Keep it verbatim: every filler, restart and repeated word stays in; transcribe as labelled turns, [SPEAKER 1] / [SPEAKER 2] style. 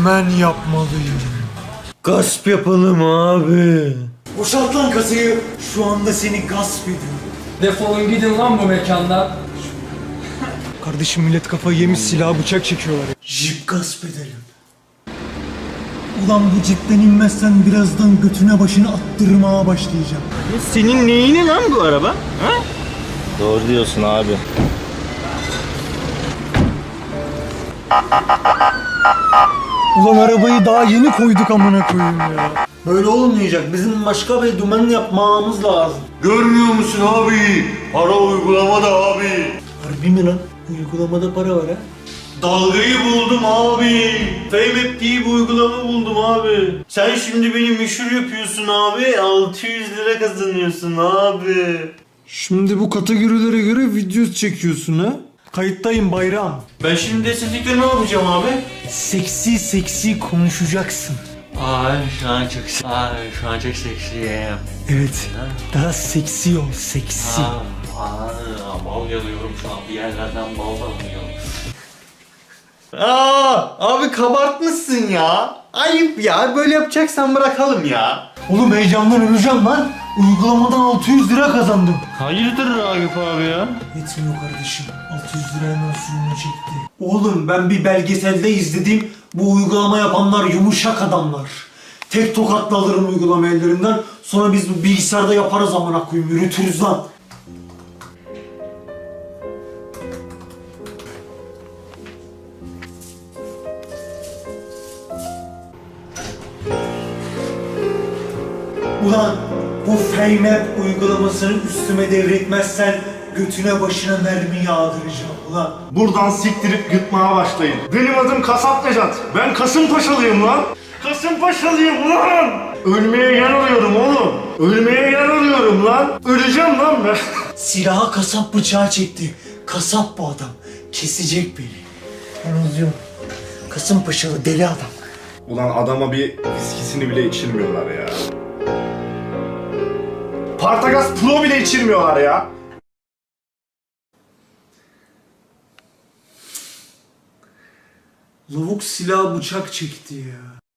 [SPEAKER 1] dümen yapmalıyım. Gasp yapalım abi. Boşalt lan kasayı. Şu anda seni gasp ediyorum.
[SPEAKER 2] Defolun gidin lan bu mekandan.
[SPEAKER 1] Kardeşim millet kafayı yemiş, silah bıçak çekiyorlar. Jip gasp edelim. Ulan bu cepten inmezsen birazdan götüne başını attırmaya başlayacağım.
[SPEAKER 3] Senin neyine lan bu araba? Ha?
[SPEAKER 4] Doğru diyorsun abi.
[SPEAKER 1] Ulan arabayı daha yeni koyduk amına koyayım ya. Böyle olmayacak. Bizim başka bir dümen yapmamız lazım.
[SPEAKER 5] Görmüyor musun abi? Para uygulamada abi.
[SPEAKER 1] Harbi mi lan? Uygulamada para var ha.
[SPEAKER 5] Dalgayı buldum abi. Fameapp diye bir uygulama buldum abi. Sen şimdi beni meşhur yapıyorsun abi. altı yüz lira kazanıyorsun abi.
[SPEAKER 1] Şimdi bu kategorilere göre video çekiyorsun ha? Kayıttayım bayram.
[SPEAKER 5] Ben şimdi estetikle ne yapacağım abi?
[SPEAKER 1] Seksi seksi konuşacaksın.
[SPEAKER 5] Ay şu an çok Ay şu an çok seksiyim.
[SPEAKER 1] Evet. Daha seksi ol, seksi.
[SPEAKER 5] Aa, aa, bal yalıyorum şu an bir yerlerden bal alınıyor. Aa, abi kabartmışsın ya. Ayıp ya, böyle yapacaksan bırakalım ya.
[SPEAKER 1] Oğlum heyecandan öleceğim lan. Uygulamadan altı yüz lira kazandım.
[SPEAKER 5] Hayırdır Ragıp abi ya?
[SPEAKER 1] Yetmiyor kardeşim. altı yüz lira hemen suyunu çekti. Oğlum ben bir belgeselde izledim. Bu uygulama yapanlar yumuşak adamlar. Tek tokatla alırım uygulama ellerinden. Sonra biz bu bilgisayarda yaparız amına koyayım. Yürütürüz lan. Ulan bu Fameapp uygulamasını üstüme devretmezsen götüne başına mermi yağdıracağım ulan.
[SPEAKER 6] Buradan siktirip yutmaya başlayın. Benim adım Kasap Necat. Ben Kasımpaşalıyım lan. Kasımpaşalıyım lan. Ölmeye yer alıyorum oğlum. Ölmeye yer alıyorum lan. Öleceğim lan ben.
[SPEAKER 1] Silaha kasap bıçağı çekti. Kasap bu adam. Kesecek beni. Anlıyorum. Kasımpaşalı deli adam.
[SPEAKER 6] Ulan adama bir viskisini bile içirmiyorlar ya. Partagas Pro bile içirmiyorlar ya.
[SPEAKER 1] Lavuk silah bıçak çekti ya.